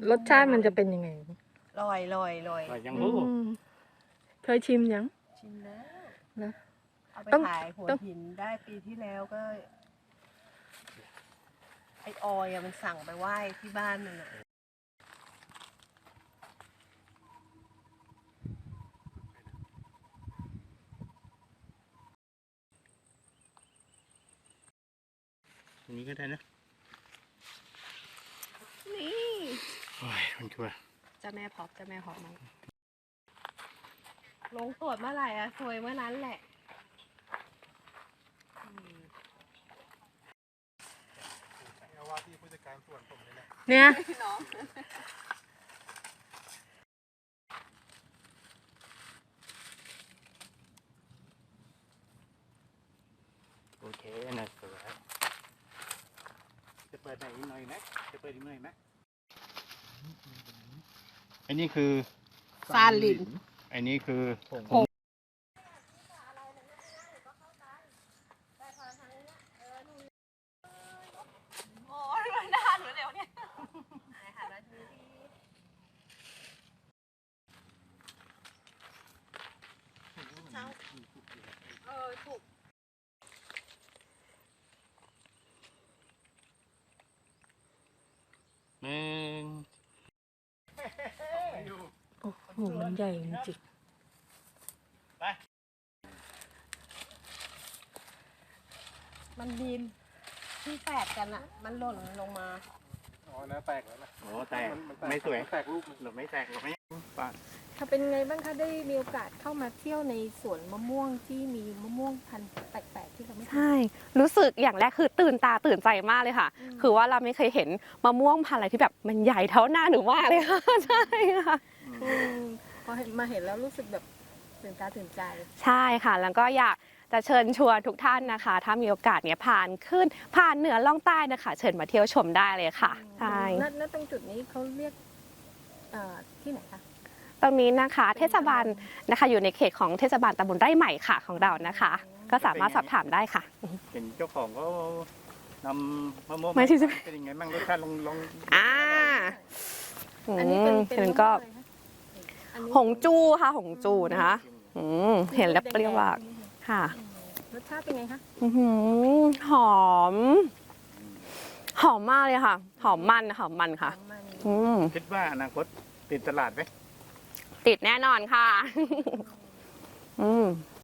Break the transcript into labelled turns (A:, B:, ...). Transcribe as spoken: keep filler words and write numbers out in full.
A: รสชาติมันจะเป็นยังไง
B: ลอยลอยลอย
C: ว่ายัง
A: อื
C: รู้
A: มเคยชิมยัง
B: ชิมแล้ว
A: นะ
B: เอาไป
A: ต้อง
B: ขายหัว
A: ต้อง
B: หินได้ปีที่แล้วก็ ไอออยอะมันสั่งไปไหว้ที่บ้านมันอะ
C: อันนี้ก็ได้นะ
B: นี่
C: โอ้ยมันชัวร์
B: เจ้าแม่พอบเจ้าแม่พอบมั้งลงตรวจเมื่อไหร่อะซวยเมื่อนั้นแหละอืม
C: ว่าที่ผู้จัดการส่วนผมเลยแหละ
A: เนี่ย
B: น้อง
C: โอเคนะสวยจะเปิดไหนอีกหน่อยนะจะเปิดอีกหน่อยไหมอันนี้คือ
B: ซาลิน
C: อันนี้คือผง
B: โอ้ยมันนานหรือเร็วเนี่ยหายหาแล้วทีเออถูก
C: หนึ่ง
A: โอ้โหมันใหญ่จริง
C: ไป
B: มันมีที่แฝดกันอะมันหล่นลงมา
D: อ๋อนะแตกแล้วนะ
C: โอ้แตก
D: มันนแตก
C: ไม่สวย
D: นแตกรูปมัน
C: หรือไม่แตกหรือไม่ปาด
A: ๆถ้าเป็นไงบ้างคะได้มีโอกาสเข้ามาเที่ยวในสวนมะม่วงที่มีมะม่วงพันธุ์แปลกๆที่เราไม่เคย
E: ใช่ รู้สึกอย่างแรกคือตื่นตาตื่นใจมากเลยค่ะ
A: อืม
E: คือว่าเราไม่เคยเห็นมะม่วงพันธุ์อะไรที่แบบมันใหญ่เท่าหน้าหนูมากเลยค่ะ ใช่ค่ะ
A: อืมพอเห็นมาเห็นแล้วรู้สึกแบบตื่นตาตื่นใจ
E: ใช่ค่ะ แล้วก็อยากจะเชิญชวนทุกท่านนะคะ ถ้ามีโอกาสเนี่ยผ่านขึ้นผ่านเหนือล่องใต้นะคะ เชิญมาเที่ยวชมได้เลยค่ะ ใช่
A: ณณตรงจุดนี้เขาเรียกเอ่อที่ไหนคะ
E: ตรงนี้นะคะเทศบาลนะคะอยู่ในเขตของเทศบาลตำบลไร่ใหม่ค่ะของเรานะคะ ก็สามารถสอบถามได้ค่ะ
C: เห็นเจ้าของก็นำมะม่วง
E: ไม่ใช่
C: เป็นยังไงบ้างรสชาติลองลอง
E: อ่า
A: อันนี้เป็น
E: อืม
A: เป็น
E: เห็น
A: มะม่วง
E: ก็
A: อะไรคะอันนี้
E: หงจูค่ะหงจูนะคะอืมเห็นแล้วเปรี้ยวมากค่ะ
A: อืมรสชาติเป็นไงคะ
E: อื้อหือหอม หอมมากเลยค่ะ หอมมันหอมมันค่ะ
A: มัน
E: อืม
C: คิดว่าอนาคตติดตลาดไหม
E: ติดแน่นอนค่ะ อืม